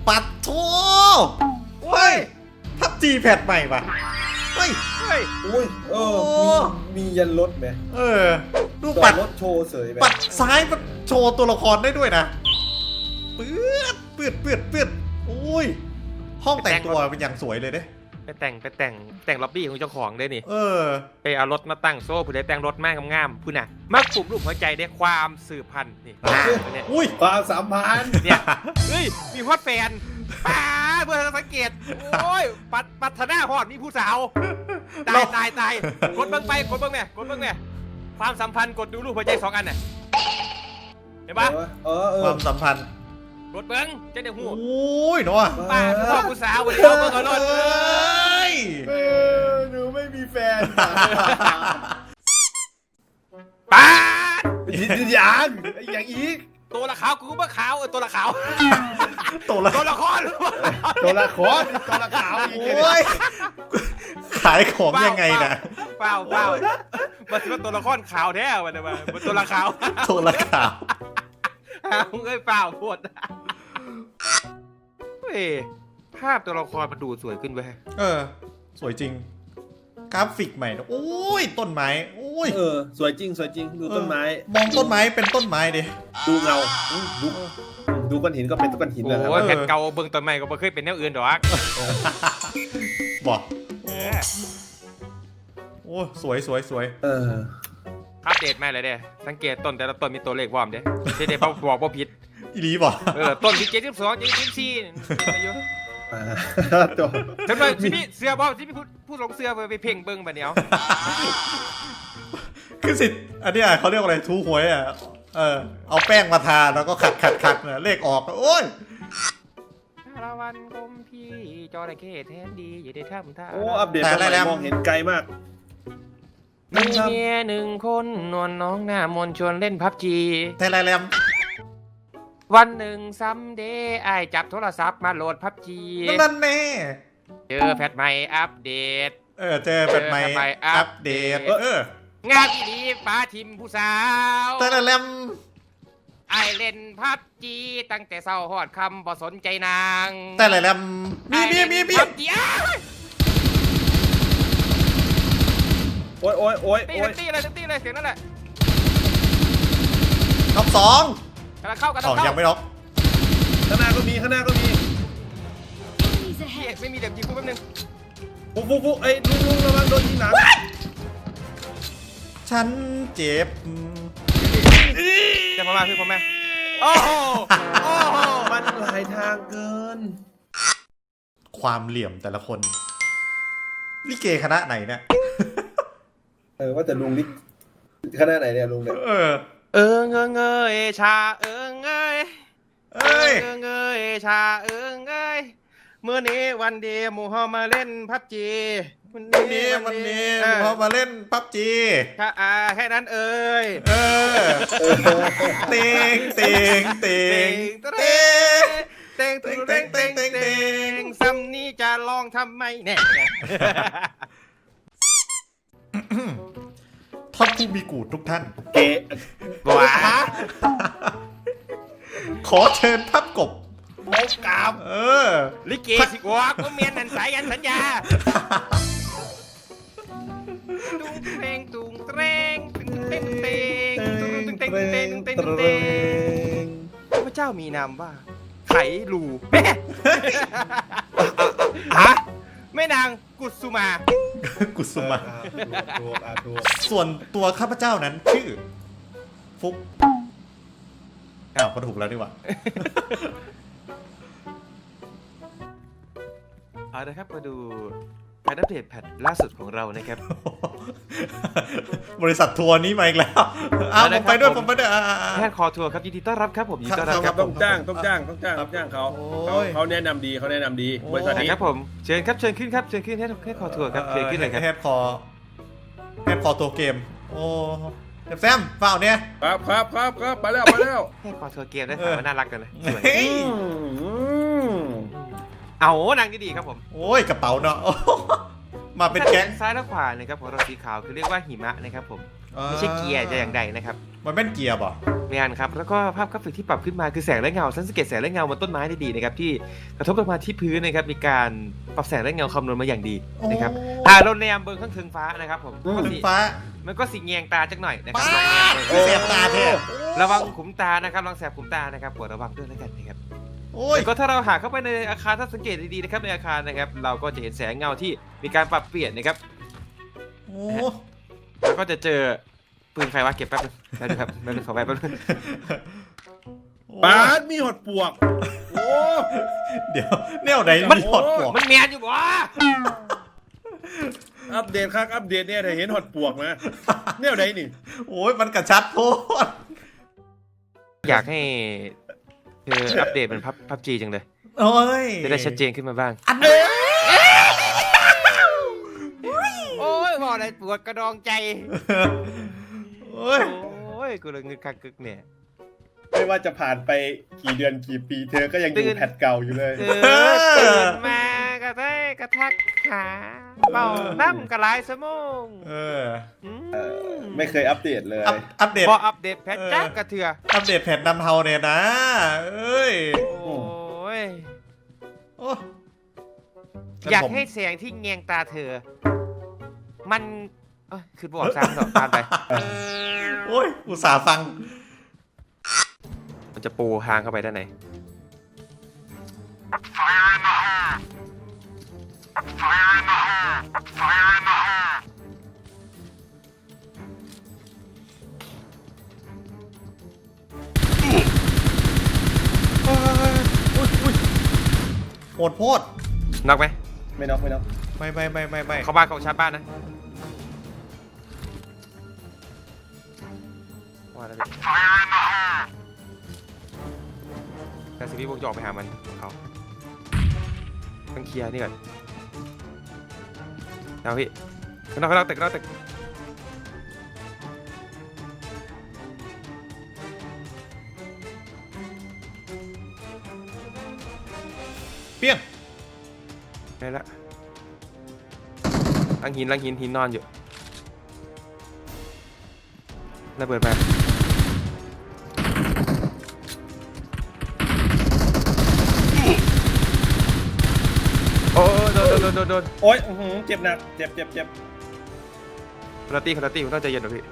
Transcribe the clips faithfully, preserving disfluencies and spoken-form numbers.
ปัดโถเฮ้ยพับจีแพดใหม่ป่ะเฮ้ยเฮ้ยอุ้ยเออมีมียันรถไหมเออดูปัดรถโชว์เสยไหมปัดซ้ายมันโชว์ตัวละครได้ด้วยนะปื๊ดปื๊ดปื๊ดปื๊ดโอ้ยห้องแต่งตัวเป็นอย่างสวยเลยเด้ไปแต่งไปแต่งแต่งล็อบบี้ของเจ้าของได้นี่เออไปเอารถมาตั้งโซ่ผู้ใดแต่งรถมากงามๆผู้น่ะมาปลุกรูปหัวใจได้ความสืบพันธุ์นี่เนี่ยอุ้ยความสัมพันธ์เนี่ยเฮ้ยมีฮอตแฟนป้าเพื่อสังเกตโอ้ยปัดปัทนาฮอดมีผู้สาวตายตายตายกดเบิ้งไปกดเบิ้งเนี่ยกดเบิ้งเนี่ยความสัมพันธ์กดดูรูปหัวใจสองอันน่ะเห็นปะเออเออความสัมพันธ์กดเบิ้งเจ้าเด็กหูโอ้ยเนาะป้าพ่อผู้สาววันนี้เอาเบิ้งเอารถเอ้ยเออหนูไม่มีแฟนป้ายินยังอย่างอีกตัวละขาวกูก็บ่ขาวเออตัวละขาวตัวละตัวละครตัวละครตัวละขาวอีกโอ้ยขายของยังไงนะเปล่าเปล่ามันจะเป็นตัวละครขาวแท้วันนี้มันตัวละขาวตัวละขาวเอาเอ้ยเปล่าพูดเฮ้ยภาพตัวละครมันดูสวยขึ้นเว้ยเออ สวยจริงกราฟิกใหม่นะโอ้ยต้นไม้โอ้ยเออสวยจริงสวยจริงดูต้นไม้มองต้นไม้เป็นต้นไม้ดิดูเงาดูดูก้อนหินก็เป็นก้อนหินนะครัโอ้ยบแผ่นเก่าเบิ่งต้นไม้ก็ไม่เคยเป็นแนวอื่นหรอกบอกเออโอ้สวยสวยสวยเอออัปเดตมาเลยเด้สังเกตต้นแต่ละต้นมีตัวเลขวอมเด้เด้บอกบอกว่าผิดอีหลีบอกเออต้นที่เจ็ดสิบสองเจ็ดสิบสี่อายุอ่าตัวทำไมที่พี่เสือบอที่พี่พูดพูดลงเสือไปเพ่งเบิ่งแบบเนี้ยคือสิอันนี้เขาเรียกอะไรทูหวยอ่ะเออเอาแป้งมาทาแล้วก็ขัดขัดขัดเนี่ยเลขออกโอ้ยละวันกลมพี่จอระเข้แทนดีอย่าได้ทำท่าโอ้อัปเดตมาใหม่มองเห็นไกลมากมีเมียหนึ่งคนนวลน้องหน้ามนชวนเล่นพับจีไทยไลน์แรมวันหนึ่งซัมเดย์ไอจับโทรศัพท์มาโหลดพับจีนั่นแน่เจอแพทใหม่อัปเดตเออเจอเป็นใหม่เจอแพทใหม่อัปเดตอัปเดตเอองานที่นี้ป้าทิมผู้สาวไทยไลน์แรมไอเล่นพับจีตั้งแต่เศร้าหอดคำบ่สนใจนางไทยไลน์แรมมีมีมีมีพับจีอ้าวโอ้ยโอ้ยโอ้ยตีโอ้เลย ยตีเลยตีเลยเสียงนั่นแหละน็อกสองกำลังเข้ากำลัสองงเข้ายังไม่น็อกข้างหน้าก็มีข้างหน้าก็มีเหี้ยไม่มีเด็กยิงกูแป๊บนึงฟุ๊กฟุ๊กฟุ๊กไอ้ลุงลุงระวังโดนยิงหนังฉันเจ็บจะมามาพี่ผมแม่โอ้โหโอ้โหมันหลายทางเกินความเหลี่ยมแต่ละคนลิเกคณะไหนเนี่ยเออว่าแต่ลุงนี่ขนาดไหนเนี่ยลุงเนี่ยเออเออเงยเงยชาเออเงยเอ้ยเออเงยชาเออเงยเมื่อนี้วันเดียวหมู่เฮามาเล่นพับจีวันนี้วันนี้เออพอมาเล่นปั๊บจีถ้าอาแค่นั้นเอ่ยเออเต็งเต็งเต็งเต็งเต็งเต็งเต็งเต็งเต็งเต็งซ้ำนี้จะลองทำไมแน่ท่านผู้มีกูดทุกท่านเกะว้าขอเชิญทับกบโอ้กามเออลิเกสิกวาก็เมียนนันสายยันสัญญาตุ้งเตงตุ้งเตงตุ้งเตงเตงตุ้งเตงเตงเตงเตงพระเจ้ามีนามว่าไขลูแม่ฮะแม่นางกุสุมากุสุมาถูกอ่ะถูกส่วนตัวข้าพเจ้านั้นชื่อ ฟุกอ้าวก็ถูกแล้วดีกว่าเอาละครับมาดูการอัปเดตแพทล่าสุดของเรานะครับบริษัททัวร์นี้มาอีกแล้วอ้าวผมไปด้วยผมไปด้วยอ่าแพทย์คอทัวร์ครับยินดีต้อนรับครับผมยินดีต้อนรับครับต้องจ้างต้องจ้างต้องจ้างต้องจ้างเขาเขาเขาแนะนำดีเขาแนะนำดีบริษัทนี้ครับผมเชิญครับเชิญขึ้นครับเชิญขึ้นแพทย์แพทย์คอทัวร์ครับเชิญขึ้นเลยครับแฮปคอแฮปคอตัวเกม โอ้แซมเปล่าเนี่ยครับครับครับครับไปแล้วไปแล้วแพทย์คอทัวร์เกมได้ข่าวว่าน่ารักกันเลยสวยเฮ้ยเอานางดีๆครับผมโอ้ยกระเป๋าเนาะ มาเป็นแก๊งซ้ายและขวานะครับของเราสีขาวคือเรียกว่าหิมะนะครับผมไม่ใช่เกียร์จะอย่างใดนะครับมันเป็นเกียร์ป่ะแมนครับแล้วก็ภาพกราฟิกที่ปรับขึ้นมาคือแสงและเงาสังเกตแสงและเงาบนต้นไม้ได้ดีนะครับที่กระทบลงมาที่พื้นนะครับมีการปรับแสงและเงาคำนวณมาอย่างดีนะครับอ่าเราแนมเบอร์ข้างเทิงฟ้านะครับผมถึงฟ้ามันก็สีแงงตาจักหน่อยนะครับป้าลองแนมดเบอร์เสียบตาเท่ระวังขุมตานะครับระวังแสบขุมตานะครับโปรดระวังด้วยแล้วกันนะครับโอ้ยแล้วก็ถ้าเราหาเข้าไปในอาคารถ้าสังเกตดีๆนะครับในอาคารนะครับเราก็จะเห็นแสงเงาที่มีการปรับเปลี่ยนนะครับโอ้แล้วก็จะเจอปืนใครวะเก็บแป๊บนึงแป๊บนึงครับแป๊บนึงขอไปแป๊บนึงปาดมีหดปวกโอ้เดี๋ยวแนวไหนมีหอดปวกมันแมนอยู่บ่อัปเดตครับอัปเดตเนี่ยถ้าเห็นหดปวกนะเนี่ยไหนนี่โอ้ยมันกระชัดโพดอยากให้เธออัปเดตเป็นพับพับจีจังเลยโอ้ยจะได้ชัดเจนขึ้นมาบ้างอันนี้โอ้ยบอกอะไรปวดกระดองใจโอ้ยโอ้ยกูเลยเงินคักกึกเนี่ยไม่ว่าจะผ่านไปกี่เดือนกี่ปีเธอก็ยังอยู่แพทเก่าอยู่เลยเออตื่นมากระแทกกระทักขาเป่าน้ำกระไรสมองเออเออไม่เคยอัปเดตเลยอัปอัปเดตพออัปเดตแพทจ้ากระเถืออัปเดตแผ่นนำเทาเนี่ยนะ เอ้ยโอ้ยโอ้อยากให้เสียงที่แงงตาเธอ มันเอ้ยคือบอกซ้ำต่อตามไปโอ้ย อุตส่าห์ฟังมันจะปูทางเข้าไปด้านไหนโหดโพดน็อกไหมไม่น็อกไม่น็อกไม่ไม่ไม่ไม่ไม่เข้าบ้านของชาร์จบ้านนะว่าแล้วดิแต่สิพี่พวกจะออกไปหามันเขาต้องเคลียร์นี่ก่อนเอาพี่ข้างนอกข้างนอกตึกข้างนอกตึกเปี้ยงได้ละลังหินลังหินหินนอนอยู่ระเบิดมาโอ้โดนโดนโดนโดนโอ๊ยอื้อหือเจ็บหนักเจ็บเจ็บเจ็บคุณตี้คุณตี้คุณต้องใจเย็นหน่อยพี่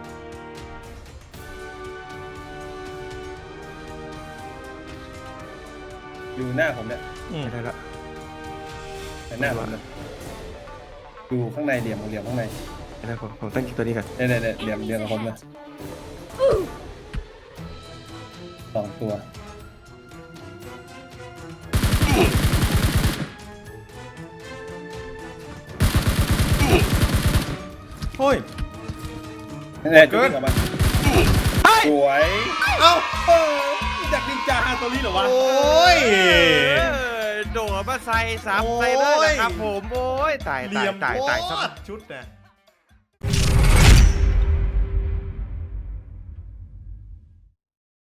อยู่หน้าผมเนี่ยอืมได้ละหน้าผมเนี่ยอยู่ข้างในเหลี่ยมเหลี่ยมข้างในได้ผมผมตั้งตัวนี้ก่อนเนี่ยเนี่ยเนี่ยเหลี่ยมเหลี่ยมกับผมเลยสองตัวโอ้ยเนี่ยจุดนี้ออกมาเฮ้ยสวยเอ้าเออจากนินจาฮาโตริเหรอวะโอ้ยโดดมาใส่สามใส่เลยนะครับผมโอ้ยตายเหตาลี่ยยมตายโพตายดชุดนะ